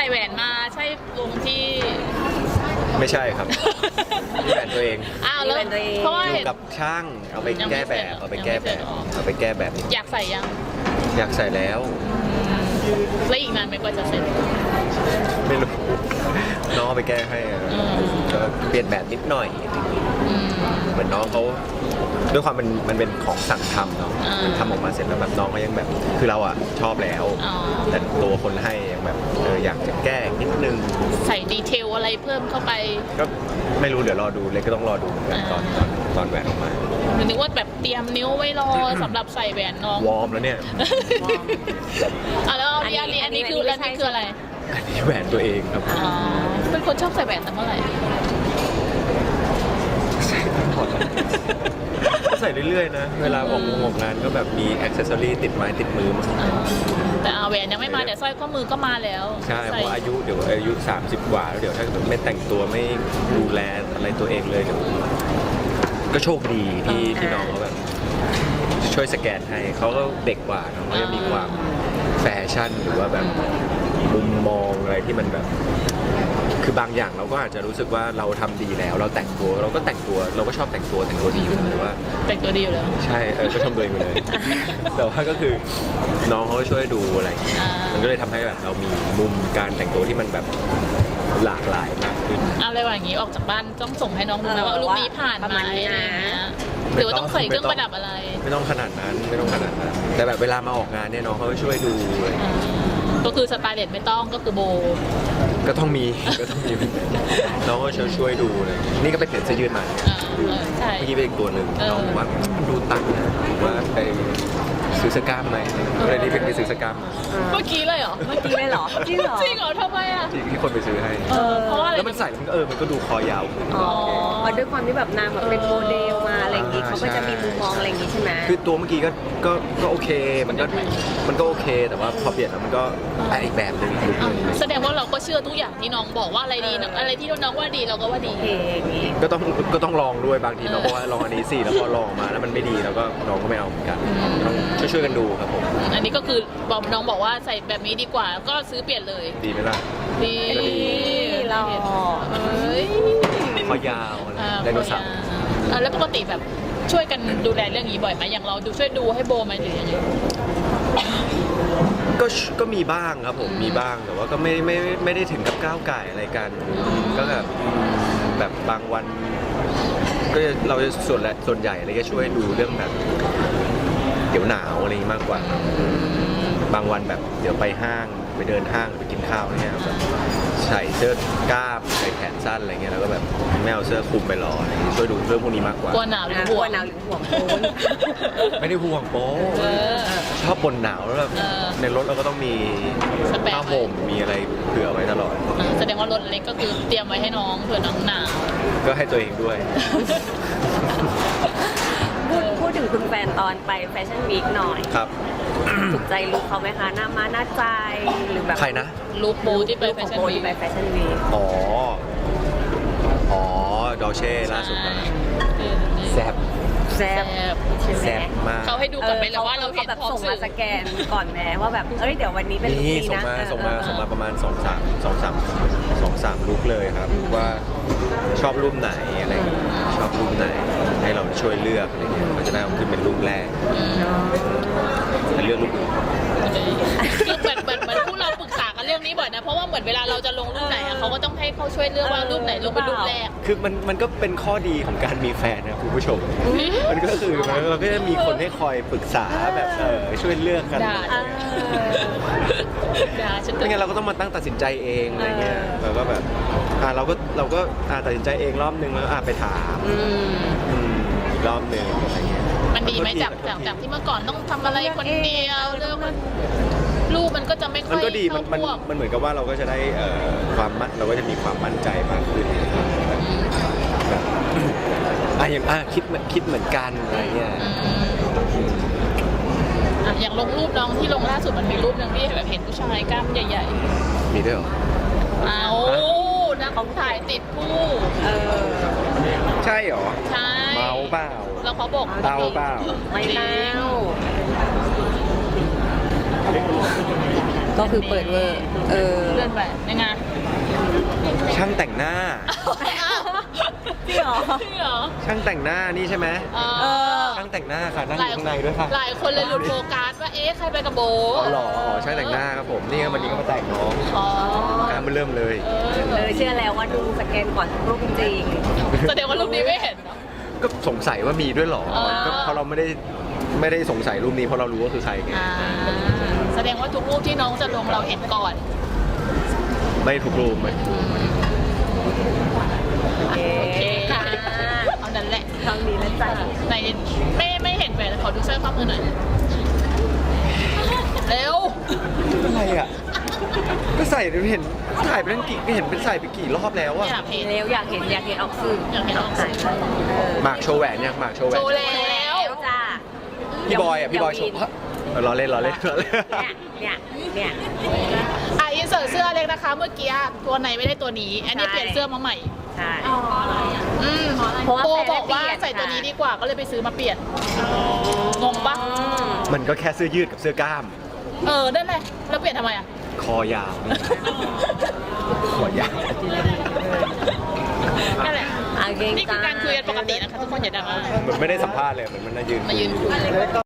ส่แหวนมาใช่วงที่ไม่ใช่ครับนี่แหวนตัวเองอ้าวแล้วเพราะว่าอยู่กับช่างเอาไปแก้แบบเอาไปแก้แบบเอาไปแก้แบบนี้อยากใส่ยังอยากใส่แล้วแล้วอีกนานไหมกว่าจะเสร็จไม่รู้น้องเอาไปแก้ให้อะก็เปลี่ยนแบบนิดหน่อยเหมือนน้องเขาด้วยความมันเป็นของสั่งทำเนาะมันทำออกมาเสร็จแล้วแบบน้องก็ยังแบบคือเราอะชอบแล้วแต่ตัวคนให้ยังแบบอยากจะแก้นิดนึงใส่ดีเทลอะไรเพิ่มเข้าไปก็ไม่รู้เดี๋ยวรอดูเลยก็ต้องรอดูเหมือนกันตอนแหวนออกมานึกว่าแบบเตรียมนิ้วไว้รอสำหรับใส่แหวนน้องวอร์มแล้วเนี่ยแล้วอันนี้คืออะไรอันนี้แหวนตัวเองครับเป็นคนชอบใส่แหวนตั้งเมื่อไหร่ก็ใส่เรื่อยๆนะเวลาออกงานก็แบบมีอ็อกเซสซอรี่ติดไม้ติดมือมาแต่แหวนยังไม่มาแต่สร้อยข้อมือก็มาแล้วใช่เพราะอายุ30กว่าแล้วเดี๋ยวถ้าไม่แต่งตัวไม่ดูแลอะไรตัวเองเลยก็โชคดีที่น้องเขาแบบช่วยสแกนให้เขาก็เด็กกว่าน้องก็จะมีความแฟชั่นหรือว่าแบบมุมมองอะไรที่มันแบบคือบางอย่างเราก็อาจจะรู้สึกว่าเราทำดีแล้วเราแต่งตัวเราก็ชอบแต่งตัวดีอยู่หรือว่าแต่งตัวดีอยู่แล้วใช่ก็ชมตัวเองเลยแต่ว่าก็คือน้องเขาช่วยดูอะไรมันก็เลยทำให้แบบเรามีมุมการแต่งตัวที่มันแบบหลากหลายมากขึ้นอะไรวะอย่างนี้ออกจากบ้านต้องส่งให้น้องดูนะว่ารูปนี้ผ่านไหมอะไรอย่างเงี้ยหรือว่าต้องใส่เครื่องประดับอะไรไม่ต้องขนาดนั้นแต่แบบเวลามาออกงานเนี่ยน้องเขาช่วยดูเลยก็คือสไตล์เด็ดไม่ต้องก็คือโบก็ต้องมีน้องก็ช่วยดูเลยนี่ก็ไปเปลี่ยนเสื้อยืดมาใช่เมื่อกี้เป็นอีกตัวหนึ่งน้องบอกว่าดูตังค์นะว่าไปซื้อเสื้อกล้ามไหมเลยนี่ไปซื้อเสื้อกล้ามเมื่อกี้เลยเหรอจริงเหรอจริงเหรอทำไมอ่ะจริงที่คนไปซื้อให้เพราะว่าอะไรแล้วมันใส่มันก็ดูคอยาวด้วยความที่แบบนางแบบเป็นโมเดลมาอะไรอย่างงี้เขาก็จะมีมุมมองอะไรอย่างงี้ใช่ไหมคือตัวเมื่อกี้ก็โอเคมันก็โอเคแต่ว่าพอเปลี่ยนแล้วมันก็อีกแบบนึงแสดงว่าเราก็เชื่อทุกอย่างที่น้องบอกว่าอะไรดีอะไรที่น้องว่าดีเราก็ว่าดีก็ต้องลองด้วยบางทีน้องบอกว่าลองอันนี้สิแล้วพอลองมาแล้วมันไม่ดีแล้วก็น้องก็ไม่เอาเหมือนกันต้องช่วยกันดูครับผมอันนี้ก็คือน้องบอกว่าใส่แบบนี้ดีกว่าก็ซื้อเปลี่ยนเลยดีไหมล่ะดีเราคอยาวไดโนเสาร์แล้วปกติแบบช่วยกันดูแลเรื่องนี้บ่อยไหมอย่างเราช่วยดูให้โบไหมหรือยังไงก็มีบ้างครับผมมีบ้างแต่ว่าก็ไม่ได้ถึงกับก้าวไก่อะไรกันก็แบบบางวันก็เราจะส่วนใหญ่อะไรก็ช่วยดูเรื่องแบบเดี๋ยวหนาวอะไรมากกว่าบางวันแบบเดี๋ยวไปห้างไปเดินห้างไปกินข้าวอะไรเงี้ยแบบใส่เสื้อกล้ามใส่แขนสั้นอะไรเงี้ยแล้วก็แบบไม่เอาเสื้อคลุมไปรอช่วยดูเรื่องพวกนี้มากกว่ากลัวหนาวหรือห่วงโป๊ไม่ได้ห่วงโป๊ชอบบ่นหนาวแล้วแบบในรถเราก็ต้องมีผ้าห่มมีอะไรเผื่อไว้ตลอดแสดงว่ารถเล็กก็คือเตรียมไว้ให้น้องเผื่อน้องหนาวก็ให้ตัวเองด้วยพูดถึงคุณแฟนตอนไปแฟชั่นวีคหน่อยครับถูกใจลุคเขาไหมคะหน้ามาหน้าใจหรือแบบใครนะลุคโบที่ไปแฟชั่นวีคอ๋อดอเช่ล่าสุดนะแซ่บมากเขาให้ดูก่อนไหมหรือว่าเราเห็นแบบส่งมาสแกนก่อนแม้ว่าแบบเดี๋ยววันนี้เป็นลุคนี้นะส่งมาประมาณ2-3ลุคเลยครับว่าชอบรูปไหนอะไรชอบรูปไหนให้เราช่วยเลือกอะไรเงี้ยมันจะได้เอาขึ้นเป็นรูปแรกแต่เลือกรูปอื่นคือเหมือนพวกเราปรึกษากันเรื่องนี้บ่อยนะเพราะว่าเหมือนเวลาเราจะลงรูปไหนเขาก็ต้องให้เขาช่วยเลือกว่ารูปไหนลงเป็นรูปแรกคือมันก็เป็นข้อดีของการมีแฟนนะคุณผู้ชมมันก็คือเราก็จะมีคนให้คอยปรึกษาแบบช่วยเลือกกันไม่งั้นเราก็ต้องมาตั้งตัดสินใจเองอะไรเงี้ยเราก็แบบเราก็ตัดสินใจเองรอบนึงแล้วไปถามรอบนึงอะไรเงี้ยมันดีไหมจากที่เมื่อก่อนต้องทำอะไรคนเดียวเรื่องลูกมันก็จะไม่ค่อยมันก็ดีมันเหมือนกับว่าเราก็จะได้เราก็จะมีความมั่นใจมากขึ้นแบบอย่างคิดเหมือนกันอะไรเงี้ยอย่างลงรูปน้องที่ลงล่าสุดมันมีรูปนึงที่แบบเห็นผู้ชายกล้ามใหญ่ๆมีด้วยเหรอนะเขาถ่ายติดผู้ใช่เหรอใช่เมาเปล่าแล้วเขาบอกเปล่าไม่เล่าก็คือเปิดเวอร์เลื่อนไปยังไงช่างแต่งหน้าจริงเหรอจริงเหรอช่างแต่งหน้านี่ใช่ไหมอช่างแต่งหน้าค่ะนั่งอยู่ข้างในด้วยค่ะหลายคนเลยหลุดโฟกัสว่าเอ๊ะใครไปกับโบอ๋อเหรออ๋อช่างแต่งหน้าครับผมนี่วันนี้ก็มาแต่งน้องอ๋อการมันเริ่มเลยเชื่อแล้วว่าดูสแกนก่อนทุกรูปจริงแสดงว่ารูปนี้ไม่เห็นเนอะก็สงสัยว่ามีด้วยเหรออ๋อก็เพราะเราไม่ได้สงสัยรูปนี้เพราะเรารู้ว่าคือใครไงแสดงว่าทุกรูปที่น้องจะลงเราเห็นก่อนไม่ถูกรูปไหมโอเคโอเคค่ะเอานั้นแหละครั้งนี้นะจ๊ะในไม่เห็นแหวนขอดูสร้อยข้อมือหน่อยเร็วอะไรอ่ะก็ใส่เห็นถ่ายไปตั้งกี่เห็นเป็นใส่ไปกี่รอบแล้วอะอยากเห็นเร็วอยากเห็นออกสื่ออยากเห็นออกสื่อหมากโชว์แหวนเนี่ยหมากโชว์แหวโชนว์แล้วจ้าพี่บอยอ่ะพี่บอยโชว์ล้อเล่นเนี่ยอินเสิร์ตเสื้อเล็กนะคะ เมื่อกี้ตัวไหนไม่ได้ตัวนี้ อันนี้เปลี่ยนเสื้อมาใหม่ใช่เพราะว่าบอกว่าใส่ตัวนี้ดีกว่าก็เลยไปซื้อมาเปลี่ยนงงปะมันก็แค่เสื้อยืดกับเสื้อกล้ามนั่นแหละแล้วเปลี่ยนทำไมอ่ะคอยาว คอยาวนั่นแหละโอเคนี่คือการคุยกันปกตินะคะทุกคนอย่าดราม่าเหมือนไม่ได้สัมภาษณ์เลยเหมือนมันมายืนมายืนคุย